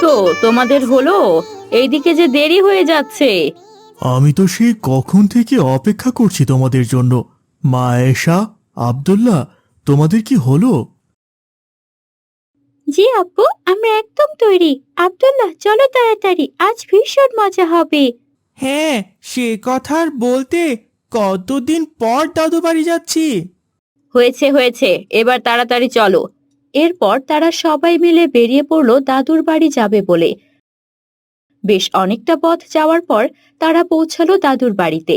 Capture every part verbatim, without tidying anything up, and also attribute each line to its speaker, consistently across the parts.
Speaker 1: ওঠো, তোমাদের হলো? এইদিকে যে দেরি হয়ে যাচ্ছে।
Speaker 2: আমি তো সেই কখন থেকে অপেক্ষা করছি তোমাদের জন্য। মা আয়েশা, আব্দুল্লাহ, তোমাদের কি হলো?
Speaker 1: জি আপু, আমরা একদম তৈরি। আব্দুল্লাহ, চলো তাড়াতাড়ি, আজ ভীষণ মজা হবে।
Speaker 3: হ্যাঁ, সে কথা আর বলতে, কতদিন পর দাদু বাড়ি যাচ্ছি।
Speaker 1: হয়েছে হয়েছে, এবার তাড়াতাড়ি চলো। এরপর তারা সবাই মিলে বেরিয়ে পড়লো দাদুর বাড়ি যাবে বলে। বেশ অনেকটা পথ যাওয়ার পর তারা পৌঁছালো দাদুর বাড়িতে।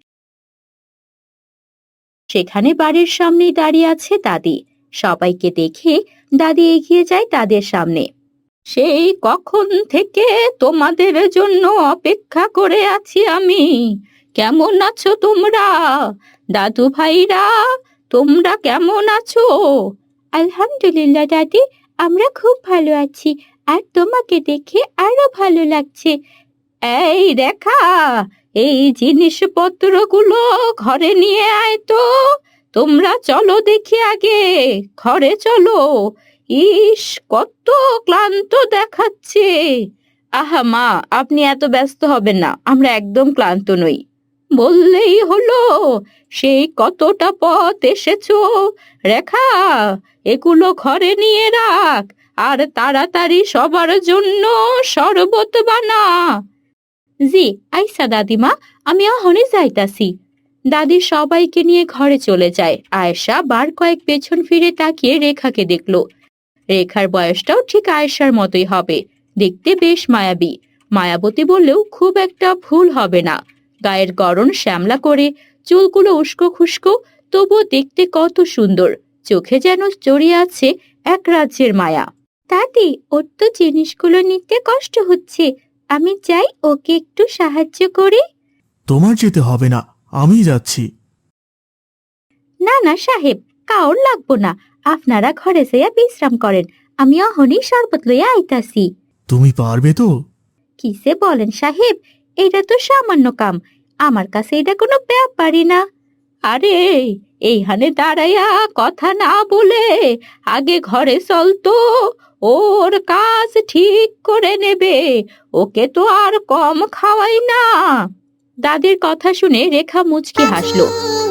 Speaker 1: সেখানে বাড়ির সামনেই দাঁড়িয়ে আছে দাদি। সবাইকে দেখে দাদি এগিয়ে যায় তাদের সামনে। সেই কখন থেকে তোমাদের জন্য অপেক্ষা করে আছি আমি। কেমন আছো তোমরা? দাদু ভাইরা, তোমরা কেমন আছো? আলহামদুলিল্লাহ দাদি, আমরা খুব ভালো আছি। আর তোমাকে দেখে আরো ভালো লাগছে। এই রেখা, এই জিনিসপত্রগুলো ঘরে নিয়ে আয় তো। তোমরা চলো দেখি আগে, ঘরে চলো। ইস, কত ক্লান্ত দেখাচ্ছে। আহা মা, আপনি এত ব্যস্ত হবেন না, আমরা একদম ক্লান্ত নই। বললেই হলো, সেই কতটা পথ এসেছো। রেখা, এগুলো ঘরে নিয়ে রাখ, আর তাড়াতাড়ি সবার জন্য শরবত বানা। জি আইসা দাদিমা, আমি অহনে যাইতাছি। দাদি সবাইকে নিয়ে ঘরে চলে যায়। আয়েশা বার কয়েক পেছন ফিরে তাকিয়ে রেখাকে দেখলো। রেখার বয়সটাও ঠিক আয়েশার মতোই হবে, দেখতে বেশ মায়াবী। মায়াবতী বললেও খুব একটা ভুল হবে না। গায়ের গড়ন শ্যামলা করে, চুলগুলো উস্কো খুস্কো, তবুও দেখতে কত সুন্দর। চোখে যেন জড়িয়ে আছে এক রাজ্যের মায়া। দাদি, ওর তো জিনিসগুলো নিতে কষ্ট হচ্ছে, আমি চাই ওকে একটু সাহায্য করি।
Speaker 2: তোমার যেতে হবে না, আমি যাচ্ছি।
Speaker 1: না না সাহেব, কাউর লাগবো না। আপনারা ঘরে যাইয়া বিশ্রাম করেন, আমি অহনি শরবত লইয়া আইতাছি।
Speaker 2: তুমি পারবে তো?
Speaker 1: কিসে বলেন সাহেব, এটা তো সামান্য কাম। আমার কাছে এটা কোনো ব্যাপারই না। আরে, এইখানে দাঁড়াইয়া কথা না বলে আগে ঘরে চল তো। ওর কাজ ঠিক করে নেবে, ওকে তো আর কম খাওয়াই না। দাদির কথা শুনে রেখা মুচকি হাসলো।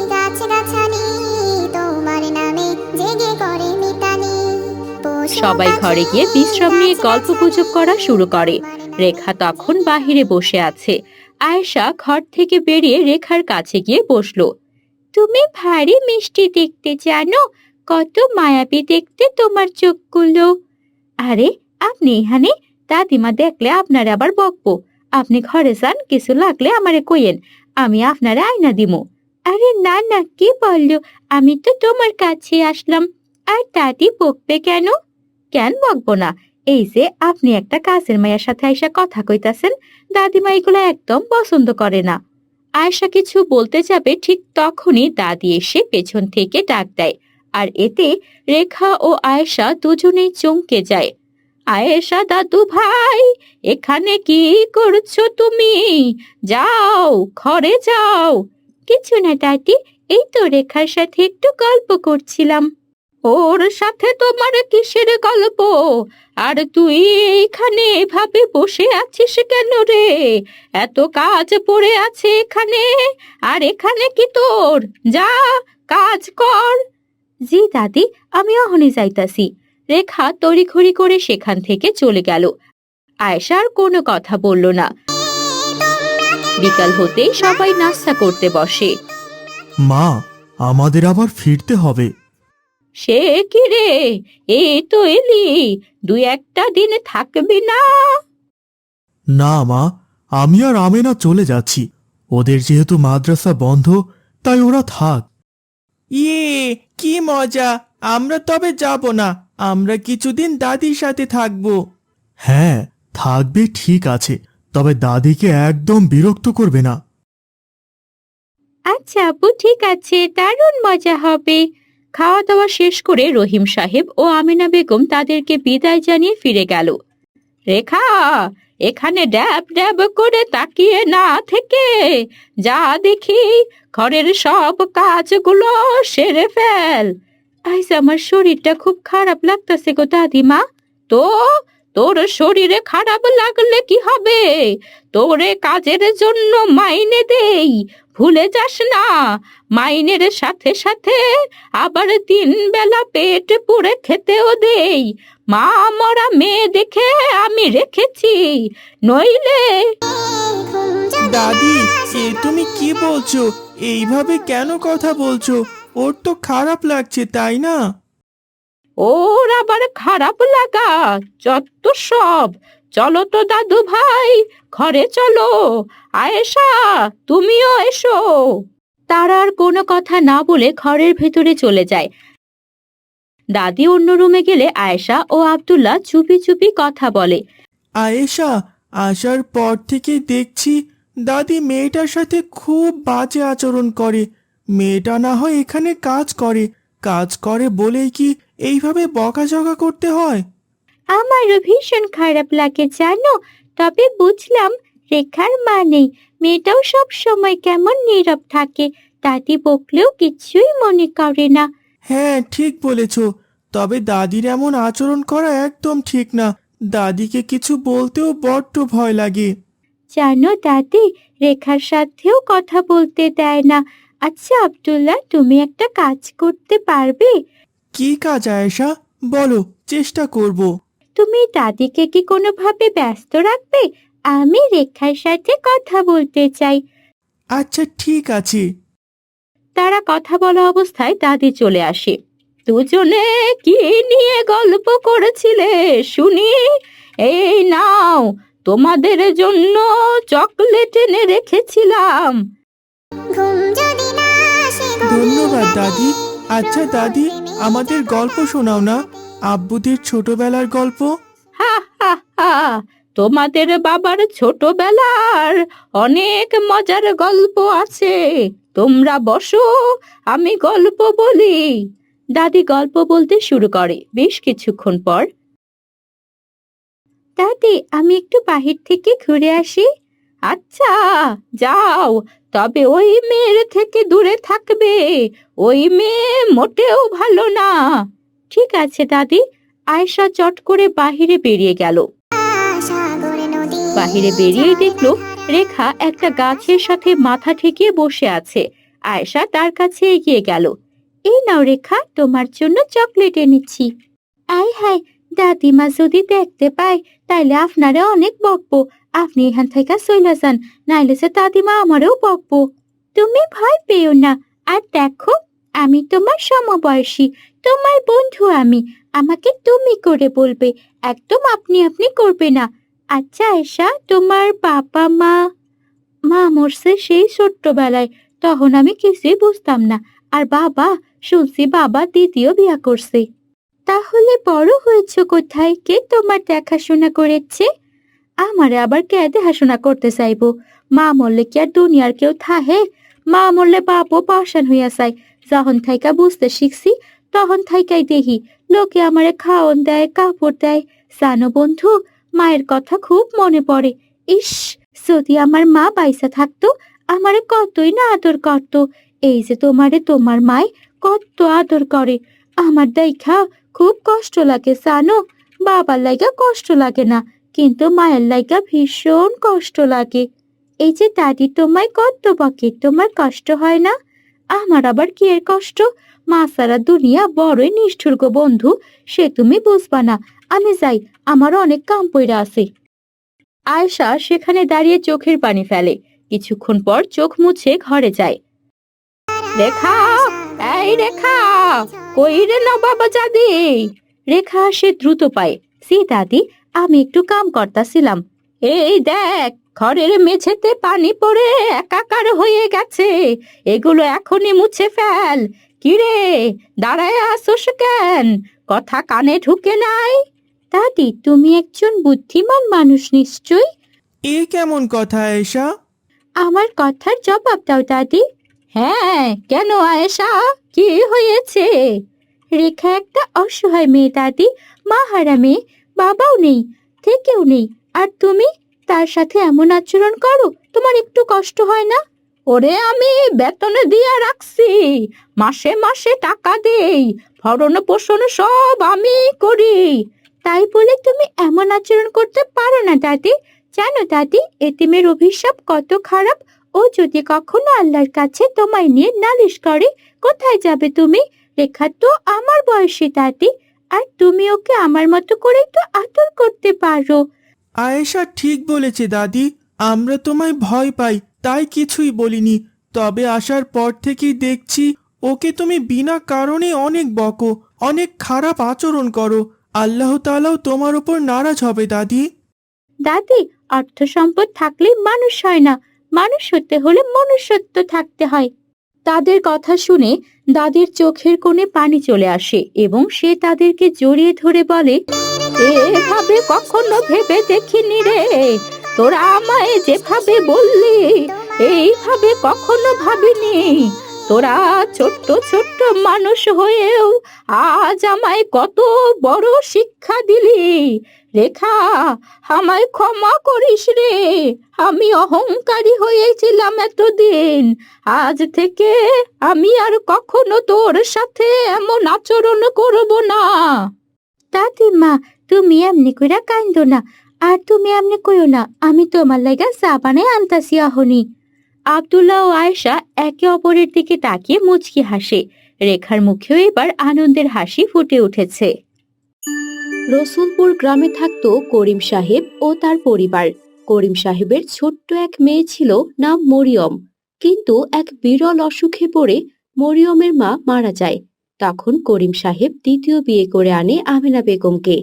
Speaker 1: সবাই ঘরে গিয়ে বিশ্রাম নিয়ে গল্প গুজব করা শুরু করে। রেখা তখন বাহিরে বসে আছে। আয়েশা ঘর থেকে বেরিয়ে রেখার কাছে গিয়ে বসলো। তুমি ভারী মিষ্টি দেখতে, জানো? কত মায়াবী দেখতে তোমার চোখগুলো। আরে, আপনি এখানে? দাদিমা দেখলে আপনার আবার বকবো। আপনি ঘরে যান, কিছু লাগলে আমারে কইেন, আমি আপনারে আয়না দিমু। আরে না না, কি বললো? আমি তো তোমার কাছে আসলাম। আর দাদি বকবে কেন? কেন বকবো না? এই যে আপনি একটা কাজের মায়ের সাথে আইসা কথা কইতাছেন, দাদিমা এগুলো একদম পছন্দ করে না। আয়েশা কিছু বলতে যাবে, ঠিক তখনই দাদি এসে পেছন থেকে ডাক দেয়। আর এতে রেখা ও আয়েশা দুজনেই চমকে যায়। আয়েশা, দাদু ভাই, এখানে কি করছো তুমি? যাও, ঘরে যাও। কিছু না দাদি, এই তো রেখার সাথে একটু গল্প করছিলাম। ওর সাথে তোমার কিসের গল্প? আর তুই এইখানে এভাবে বসে আছিস কেন রে? এত কাজ পড়ে আছে এখানে, আর এখানে কি তোর? যা, কাজ কর। জি দাদি, আমি অহনি যাইতাছি। রেখা তড়িঘড়ি করে সেখান থেকে চলে গেল। আয়েশা আর কোনো কথা বলল না। বিকাল হতেই সবাই নাস্তা করতে বসে।
Speaker 2: মা, আমাদের আবার ফিরতে হবে।
Speaker 1: সে কি রে, এই তো এলি, দুই একটা দিন থাকবি না?
Speaker 2: না মা, আমি আর আমেনা চলে যাচ্ছি। ওদের যেহেতু মাদ্রাসা বন্ধ, তাই ওরা থাক।
Speaker 3: ইয়ে, কি মজা! আমরা তবে যাব না, আমরা কিছুদিন দাদির সাথে থাকবো।
Speaker 2: হ্যাঁ, থাকবে ঠিক আছে, তবে দাদিকে একদম বিরক্ত করবে না।
Speaker 1: আচ্ছা আপু, ঠিক আছে, দারুণ মজা হবে। খাওয়া দাওয়া শেষ করে রহিম সাহেব ও আমিনা বেগম তাদেরকে বিদায় জানিয়ে ফিরে গেল। রেখা, এখানে ড্যাব ড্যাব করে তাকিয়ে না থেকে যা দেখি, ঘরের সব কাজগুলো সেরে ফেল। আজ আমার শরীরটা খুব খারাপ লাগতেছে গো দাদিমা। তো তোর শরীরে খারাপ লাগলে কি হবে? তোরে কাজের জন্য মাইনে দেই, ভুলে যাস না। মাইনের সাথে সাথে আবার তিন বেলা পেট পুড়ে খেতেও দেই। মা মরা মেয়ে দেখে আমি রেখেছি, নইলে।
Speaker 3: দাদি, এ তুমি কি বলছো? এইভাবে কেন কথা বলছো? ওর তো খারাপ লাগছে, তাই না?
Speaker 1: ওর আবার খারাপ লাগা? যত সব। চলো তো দাদু ভাই, ঘরে চলো। আয়েশা, তুমিও এসো। তারা আর কোনো কথা না বলে ঘরের ভেতরে চলে যায়। দাদি অন্য রুমে গেলে আয়েশা ও আব্দুল্লাহ চুপি চুপি কথা বলে।
Speaker 3: আয়েশা, আসার পর থেকে দেখছি দাদি মেয়েটার সাথে খুব বাজে আচরণ করে। মেয়েটা না হয় এখানে কাজ করে, কাজ করে বলেই কি এইভাবে বকাঝকা করতে হয়?
Speaker 1: আমারও ভীষণ খারাপ লাগে জানো। তবে বুঝলাম রেখার মা নেই, মেয়েটাও সব সময় কেমন নীরব থাকে, দাদি বকলেও কিছুই মনে করে না।
Speaker 3: হ্যাঁ, ঠিক বলেছ। তবে দাদির এমন আচরণ করা একদম ঠিক না। দাদিকে কিছু বলতেও বড্ড ভয় লাগে।
Speaker 1: জানো দাদি, রেখার সাথেও কথা বলতে দেয় না। আচ্ছা আব্দুল্লাহ, তুমি একটা কাজ করতে পারবে?
Speaker 3: কি কাজ আয়েশা? বলো, চেষ্টা করব।
Speaker 1: তুমি দাদিকে কি কোনোভাবে ব্যস্ত রাখবে? আমি রেখার সাথে কথা বলতে চাই।
Speaker 3: আচ্ছা, ঠিক আছে।
Speaker 1: তারা কথা বলা অবস্থায় দাদি চলে আসে। দুজনে কি নিয়ে গল্প করেছিলে শুনি? এই নাও, তোমাদের জন্য চকলেট এনে রেখেছিলাম।
Speaker 3: ধন্যবাদ দাদি। আচ্ছা দাদি, আমাদের গল্প শোনাও না, আব্বুদের ছোটবেলার গল্প।
Speaker 1: হা হা হা, তোমাদের বাবার ছোটবেলার অনেক মজার গল্প আছে। তোমরা বসো, আমি গল্প বলি। দাদি গল্প বলতে শুরু করে। বেশ কিছুক্ষণ পর, দাদি আমি একটু বাহির থেকে ঘুরে আসি। আচ্ছা, যাও, তবে ওই মেয়ের থেকে দূরে থাকবে। ওই মেয়ে মোটেও ভালো না। ঠিক আছে দাদি। আয়েশা চট করে বাহিরে বেরিয়ে গেল। বাহিরে বেরিয়েই দেখলো রেখা একটা গাছের সাথে মাথা ঠেকিয়ে বসে আছে। আয়েশা তার কাছে এগিয়ে গেল। এই নাও রেখা, তোমার জন্য চকলেট এনেছি। আয় হায়, দাদিমা যদি দেখতে পায় তাইলে আপনারে অনেক বকবো। আপনি এখান থেকে চলে যান, নাইলে সে দাদিমা আমারও বকবো। তুমি ভয় পেও না। আর দেখো, আমি তোমার সমবয়সী, তোমার বন্ধু আমি। আমাকে তুমি করে বলবে, একদম আপনি আপনি করবে না। আচ্ছা আয়েশা, তোমার বাবা মা? মা মরছে সেই ছোট্টবেলায়, তখন আমি কিছুই বুঝতাম না। আর বাবা, শুনছি বাবা দ্বিতীয় বিয়া করছে। তাহলে বড় হয়েছে কোথায়? কে তোমার দেখাশোনা করেছে? আমারে আবার কে দেখাশোনা করতে চাইবো? মা মরলে কি আর দুনিয়ার কেউ থাহে? মা মরলে বাপও পাশান হইয়া যায়। যখন থাইকা বুঝতে শিখছি তখন থাইকাই দেখি লোকে আমারে খাওন দেয়, কাপড় দেয়। জানো বন্ধু, মায়ের কথা খুব মনে পড়ে। ইস, যদি আমার মা বাইসা থাকতো, আমারে কতই না আদর করতো। এই যে তোমারে তোমার মায় কত আদর করে, আমার দেখা খুব কষ্ট লাগে জানো। বাবার লাইগা কষ্ট লাগে না, কিন্তু মায়ের লাইগা ভীষণ কষ্ট লাগে। এই যে দাদি তোমায় কত বকে, তোমার কষ্ট হয় না? আমার আবার কি এর কষ্ট? মা সারা দুনিয়া বড়ই নিষ্ঠুর গো বন্ধু, সে তুমি বুঝবা না। আমি যাই, আমার অনেক কাম পইরা আছে। আয়েশা সেখানে দাঁড়িয়ে চোখের পানি ফেলে। কিছুক্ষণ পর চোখ মুছে ঘরে যায়। রেখা, এই রেখা, কই রে নবাব জাদি? রেখা সে দ্রুত পায়। সি দাদি, আমি একটু কাম করতাছিলাম। এই দেখ, ঘরের মেঝেতে পানি পড়ে একাকার হয়ে গেছে, এগুলো এখনই মুছে ফেল। কিরে, দাঁড়ায় আসোস কেন? কথা কানে ঢুকে নাই? দাদি, তুমি একজন বুদ্ধিমান মানুষ নিশ্চয়ই।
Speaker 3: এ কেমন কথা আয়েশা?
Speaker 1: আমার কথার জবাব দাও দাদি। হ্যাঁ, কেন আয়েশা, কি হয়েছে? রেখা একটা অসহায় মেয়ে দাদি, মা হারা মেয়ে, বাবাও নেই, থেকেও নেই। আর তুমি তার সাথে এমন আচরণ করো, তোমার একটু কষ্ট হয় না? ওরে আমি বেতনে দিয়া রাখছি, মাসে মাসে টাকা দেই, ভরণ পোষণ সব আমি করি। তাই বলে তুমি এমন আচরণ করতে পারো না দাদি। জানো দাদি, এতিমের অভিশাপ কত খারাপ। ও যদি কখনো আল্লাহর কাছে তোমায় নিয়ে নালিশ করে, কোথায় যাবে তুমি? রেখা তো আমার বয়সী দাদি, আর তুমি ওকে আমার মতো করে একটু আদর করতে পারো।
Speaker 3: আয়েশা ঠিক বলেছে দাদি, আমরা তোমায় ভয় পাই তাই কিছুই বলিনি। তবে আসার পর থেকেই দেখছি ওকে তুমি বিনা কারণে অনেক বকো, অনেক খারাপ আচরণ করো। আল্লাহ তাআলাও তোমার উপর নারাজ হবে দাদি।
Speaker 1: দাদি, অর্থ সম্পদ থাকলেই মানুষ হয় না, মানুষ হতে হলে মনুষ্যত্ব থাকতে হয়। তাদের কথা শুনে দাদির চোখের কোণে পানি চলে আসে এবং সে তাদেরকে জড়িয়ে ধরে বলে, এভাবে কখনো ভেবে দেখিনি রে। তোরা আমায় যেভাবে বললি, এইভাবে কখনো ভাবিনি। তোরা ছোট্ট ছোট্ট মানুষ হয়েও আজ আমায় কত বড় শিক্ষা দিলি। রেখা, আমায় ক্ষমা করিস রে। আমি অহংকারী হয়েছিলাম এতদিন। আজ থেকে আমি আর কখনো তোর সাথে এমন আচরণ করব না। দাদিমা, তুমি এমনি কইরা কান্দো না, আর তুমি এমনি কইও না। আমি তোমার লাগা চা বানাই আনতাছি অহনি। আব্দুল্লাহ ও আয়েশা একে অপরের দিকে তাকিয়ে মুচকি হাসে। রেখার মুখেও এবার আনন্দের হাসি ফুটে উঠেছে। রসুলপুর গ্রামে থাকতো করিম সাহেব ও তার পরিবার। করিম সাহেবের ছোট্ট এক মেয়ে ছিল, নাম মরিয়ম। কিন্তু এক বিরল অসুখে পড়ে মরিয়মের মা মারা যায়। তখন করিম সাহেব দ্বিতীয় বিয়ে করে আনে আমেনা বেগমকে।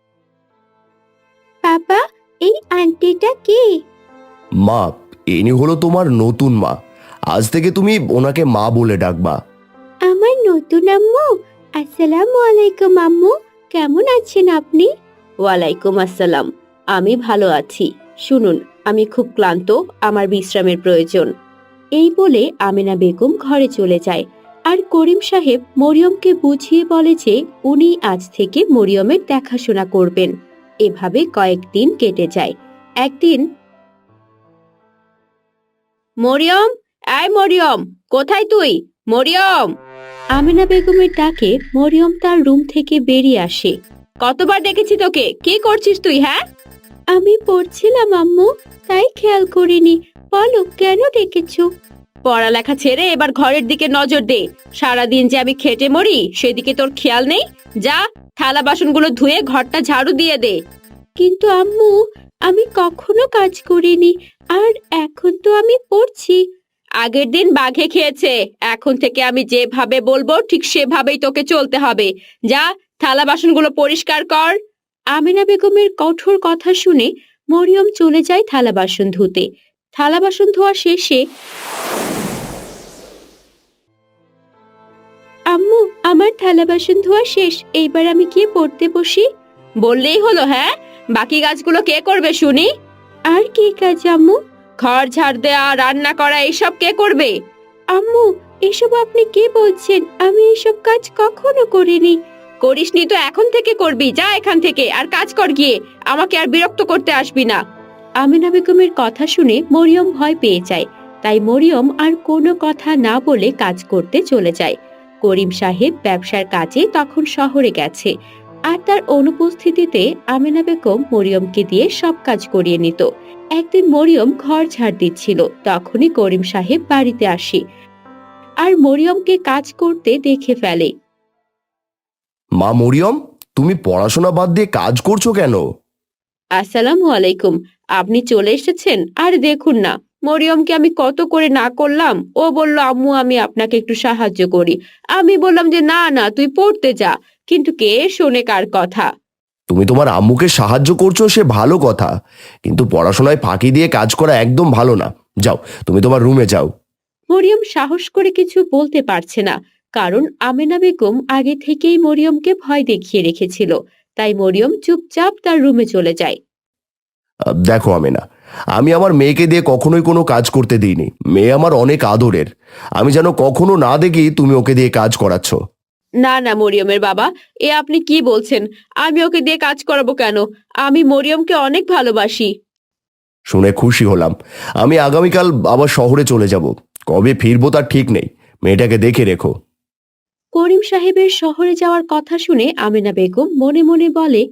Speaker 1: বাবা, এই আন্টিটা কে?
Speaker 4: মা, ইনি হলো তোমার নতুন মা। আজ থেকে তুমি ওনাকে মা বলে ডাকবা।
Speaker 1: আমার নতুন আম্মু। আসসালামু আলাইকুম আম্মু, কেমন আছেন আপনি? ওয়ালাইকুম আসসালাম, আমি ভালো আছি। শুনুন, আমি খুব ক্লান্ত, আমার বিশ্রামের প্রয়োজন। এই বলে আমেনা বেগম ঘরে চলে যায়। আর করিম সাহেব মরিয়মকে বুঝিয়ে বলে যে উনি আজ থেকে মরিয়মের দেখাশোনা করবেন। এভাবে কয়েকদিন কেটে যায়। একদিন, মরিয়ম, আয় মরিয়ম, কোথায় তুই? মরিয়ম! আমেনা বেগমের ডাকে মরিয়ম তার রুম থেকে বেরিয়ে আসে। কতবার দেখেছি তোকে, কি করছিস তুই? হ্যাঁ, আমি পড়ছিলাম আম্মু, তাই খেয়াল করিনি। বলো, কেন ডেকেছো? পড়ালেখা ছেড়ে এবার ঘরের দিকে নজর দে। সারাদিন যে আমি খেটে মরি, সেদিকে তোর খেয়াল নেই। যা, থালা বাসনগুলো ধুয়ে ঘরটা ঝাড়ু দিয়ে দে। কিন্তু আম্মু, আমি কখনো কাজ করিনি, আর এখন তো আমি পড়ছি। আগের দিন বাঘে খেয়েছে, এখন থেকে আমি যেভাবে বলবো ঠিক সেভাবেই তোকে চলতে হবে। যা, থালা বাসনগুলো পরিষ্কার কর। আমিনা বেগমের কঠোর কথা শুনে মরিয়ম চলে যায় থালা বাসন ধুতে। থালা বাসন ধোয়া শেষে, আম্মু, আমার থালা বাসন ধোয়া শেষ, এইবার আমি গিয়ে পড়তে বসি। বললেই হলো? হ্যাঁ, বাকি কাজগুলো কে করবে শুনি? আর কি কাজ আম্মু? ঘর ঝাড় দেয়া, রান্না করা, এইসব কে করবে? আম্মু, এসব আপনি কি বলছেন? আমি এসব কাজ কখনো করিনি। করিসনি তো এখন থেকে করবি। যা এখান থেকে, আর কাজ কর গিয়ে। আমাকে আর বিরক্ত করতে আসবি না। আমিনা বেগমের কথা শুনে মরিয়ম ভয় পেয়ে যায়। তাই মরিয়ম আর কোনো কথা না বলে কাজ করতে চলে যায়। করিম সাহেব ব্যবসার কাজে তখন শহরে গেছে, আর তার অনুপস্থিতিতে আমিনা বেগম মরিয়মকে দিয়ে সব কাজ করিয়ে নিত। একদিন মরিয়ম ঘর ঝাড় দিচ্ছিল, তখনই করিম সাহেব বাড়িতে আসে আর মরিয়মকে কাজ করতে দেখে ফেলে।
Speaker 4: মা মরিয়ম, তুমি পড়াশোনা বাদ দিয়ে কাজ করছো কেন?
Speaker 1: আসসালামু আলাইকুম, আপনি চলে এসেছেন। আর দেখুন না, মরিয়মকে আমি কত করে না করলাম। ও বলল, আম্মু আমি আপনাকে একটু সাহায্য করি। আমি বললাম যে না না, তুই পড়তে যা। কিন্তু কে শোনে কার কথা?
Speaker 4: তুমি তোমার আম্মুকে সাহায্য করছো, সে ভালো কথা, কিন্তু পড়াশোনায় ফাঁকি দিয়ে কাজ করা একদম ভালো না। যাও, তুমি তোমার রুমে যাও।
Speaker 1: মরিয়ম সাহস করে কিছু বলতে পারছে না, কারণ আমেনা বেগম আগে থেকেই মরিয়মকে ভয় দেখিয়ে রেখেছিল। তাই মরিয়ম চুপচাপ তার রুমে চলে যায়।
Speaker 4: আহ, দেখো আমেনা, আমি আমার মেয়েকে দিয়ে কখনোই কোনো কাজ করতে দিইনি। মেয়ে আমার অনেক আদরের, আমি যেন কখনো না দেখি তুমি ওকে দিয়ে কাজ করাচ্ছ।
Speaker 1: না না মরিয়মের বাবা, এ আপনি কি বলছেন? আমি ওকে দিয়ে কাজ করাবো কেন? আমি মরিয়মকে অনেক ভালোবাসি।
Speaker 4: শুনে খুশি হলাম। আমি আগামীকাল আবার শহরে চলে যাব, কবে ফিরবো তার ঠিক নেই। মেয়েটাকে দেখে রেখো।
Speaker 1: করিম সাহেবের শহরে যাওয়ার কথা শুনে আমেনা বেগম মনে মনে বলে,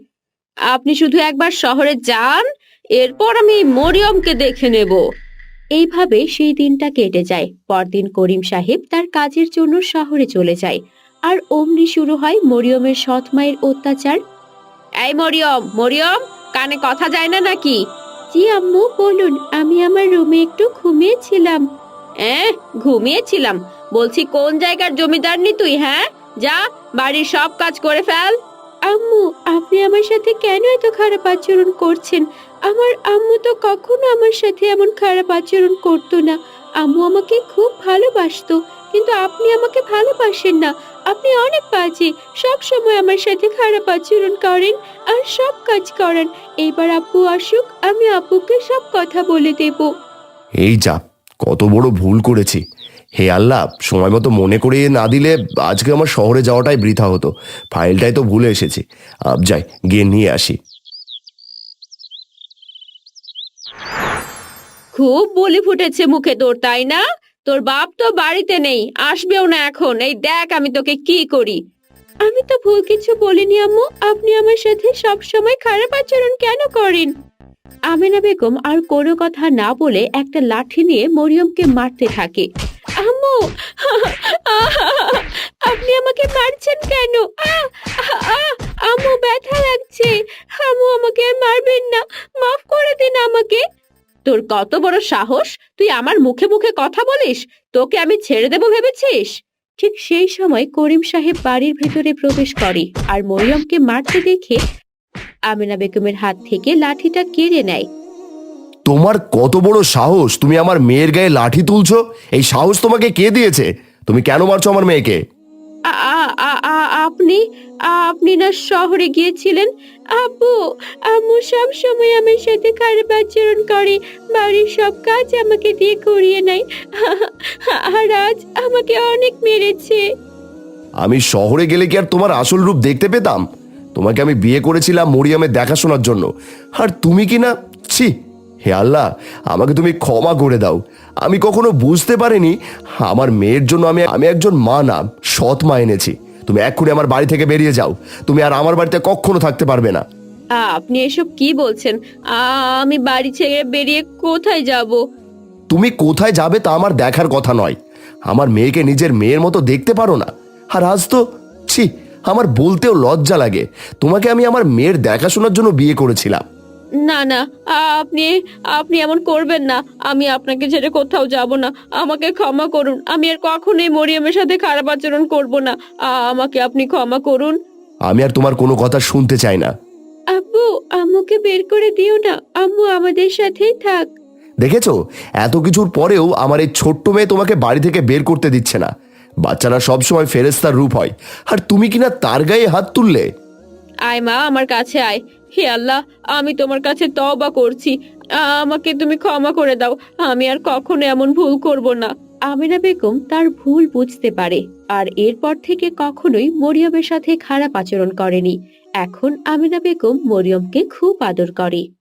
Speaker 1: আপনি শুধু একবার শহরে যান, এরপর আমি মরিয়মকে দেখে নেব। এইভাবে সেই দিনটা কেটে যায়। পরদিন করিম সাহেব তার কাজের জন্য শহরে চলে যায়। আর অমনি শুরু হয় মরিয়মের সৎ মায়ের অত্যাচার। এই মরিয়ম, মরিয়ম, কানে কথা যায় না নাকি? জি আম্মু, বলুন। আমি আমার রুমে একটু ঘুমিয়েছিলাম। এ ঘুমিয়েছিলাম বলছি, কোন জায়গার জমিদারনি তুই? হ্যাঁ, যা বাড়ির সব কাজ করে ফেল। আম্মু, আপনি আমার সাথে কেন এত খারাপ আচরণ করছেন? আমার আম্মু তো কখনো আমার সাথে এমন খারাপ আচরণ করতো না। আম্মু আমাকে খুব ভালোবাসতো, কিন্তু আপনি আমাকে ভালোবাসেন না। আপনি অনেক বাজে, সব সময় আমার সাথে খারাপ আচরণ করেন আর সব কাজ করেন। এইবার আব্বু আসুক, আমি আব্বুকে সব কথা বলে দেব।
Speaker 4: এই যা, কত বড় ভুল করেছি। হে আল্লাহ, সময় মতো মনে করিয়ে না দিলে আজকে আমার শহরে যাওয়াটাই বৃথা হতো। ফাইলটাই তো ভুলে এসেছি। আব যাই, গিয়ে নিয়ে আসি।
Speaker 1: খুব বলি ফুটেছে মুখে তোর, তাই না? তোর বাপ তো বাড়িতে নেই, আসবেও না এখন। এই দেখ আমি তোকে কি করি। আমি তো ভুল কিছু বলিনি আম্মু, আপনি আমার সাথে সব সময় খারাপ আচরণ কেন করেন? আমেনা বেগম আর কোনো কথা না বলে একটা লাঠি নিয়ে মরিয়মকে মারতে থাকে। আম্মু, আপনি আমাকে মারছেন কেন? আহ, আহ, আহ, আম্মু, ব্যথা লাগছে। আম্মু, আমাকে আর মারবেন না, মাফ করে দিন আমাকে। তোর কত বড় সাহস, তুই আমার মুখে মুখে কথা বলিস? তোকে আমি ছেড়ে দেব ভেবেছিস? ঠিক সেই সময় করিম সাহেব বাড়ির ভেতরে প্রবেশ করে আর মরিয়মকে মারতে দেখে আমেনা বেগমের হাত থেকে লাঠিটা কেড়ে নেয়।
Speaker 4: তোমার কত বড় সাহস, তুমি আমার মেয়ের গায়ে লাঠি তুলছো? এই সাহস তোমাকে কে দিয়েছে? তুমি কেন মারছো আমার মেয়েকে?
Speaker 1: আ- আ- আ- আ- আপনি আপনি না শহরে গিয়েছিলেন? আব্বু, আম্মু সব সময় আমার সাথে খারাপ আচরণ করে, বাড়ির সব কাজ আমাকে দিয়ে করিয়ে নেয়, আর আজ আমাকে অনেক মেরেছে।
Speaker 4: আমি শহরে গেলে কি আর তোমার আসল রূপ দেখতে পেতাম? তোমাকে আমি বিয়ে করেছিলাম মরিয়মের দেখাশোনার জন্য, আর তুমি কি না? ছি! হে আল্লাহ, আমাকে তুমি ক্ষমা করে দাও। আমি কখনো বুঝতে পারিনি আমার মেয়ের জন্য আমি আমি একজন মা না, সৎ মা এনেছি। তুমি এক্ষুনি আমার বাড়ি থেকে বেরিয়ে যাও। তুমি আর আমার বাড়িতে কখনো থাকতে পারবে না।
Speaker 1: আপনি এসব কি বলছেন? আ- আমি বাড়ি ছেড়ে বেরিয়ে কোথায় যাব?
Speaker 4: তুমি কোথায় যাবে তা আমার দেখার কথা নয়। আমার মেয়েকে নিজের মেয়ের মতো দেখতে পারো না? আর আজ তো, ছি, আমার বলতেও লজ্জা লাগে। তোমাকে আমি আমার মেয়ের দেখাশোনার জন্য বিয়ে করেছিলাম।
Speaker 1: না না, আপনি আপনি এমন করবেন না। আমি আপনাকে ছেড়ে কোথাও যাব না। আমাকে ক্ষমা করুন, আমি আর কখনোই মরিয়মের সাথে খারাপ আচরণ করব না। আ- আমাকে আপনি ক্ষমা করুন।
Speaker 4: আমি আর তোমার কোনো কথা শুনতে চাই না।
Speaker 1: আব্বু, আম্মুকে বের করে দিও না, আম্মু আমাদের সাথেই থাক।
Speaker 4: দেখেছো, এত কিছুর পরেও আমার এই ছোট্ট মেয়ে তোমাকে বাড়ি থেকে বের করতে দিচ্ছে না। বাচ্চারা সবসময় ফেরেস্তার রূপ হয়, আর তুমি কিনা তার গায়ে হাত তুললে।
Speaker 1: আয় মা, আমার কাছে আয়। হে আল্লাহ, আমি তোমার কাছে তওবা করছি। আ- আমাকে তুমি ক্ষমা করে দাও। আমি আর কখনো এমন ভুল করব না। আমিনা বেগম তার ভুল বুঝতে পারে আর এরপর থেকে কখনোই মরিয়মের সাথে খারাপ আচরণ করেনি। এখন আমিনা বেগম মরিয়মকে খুব আদর করে।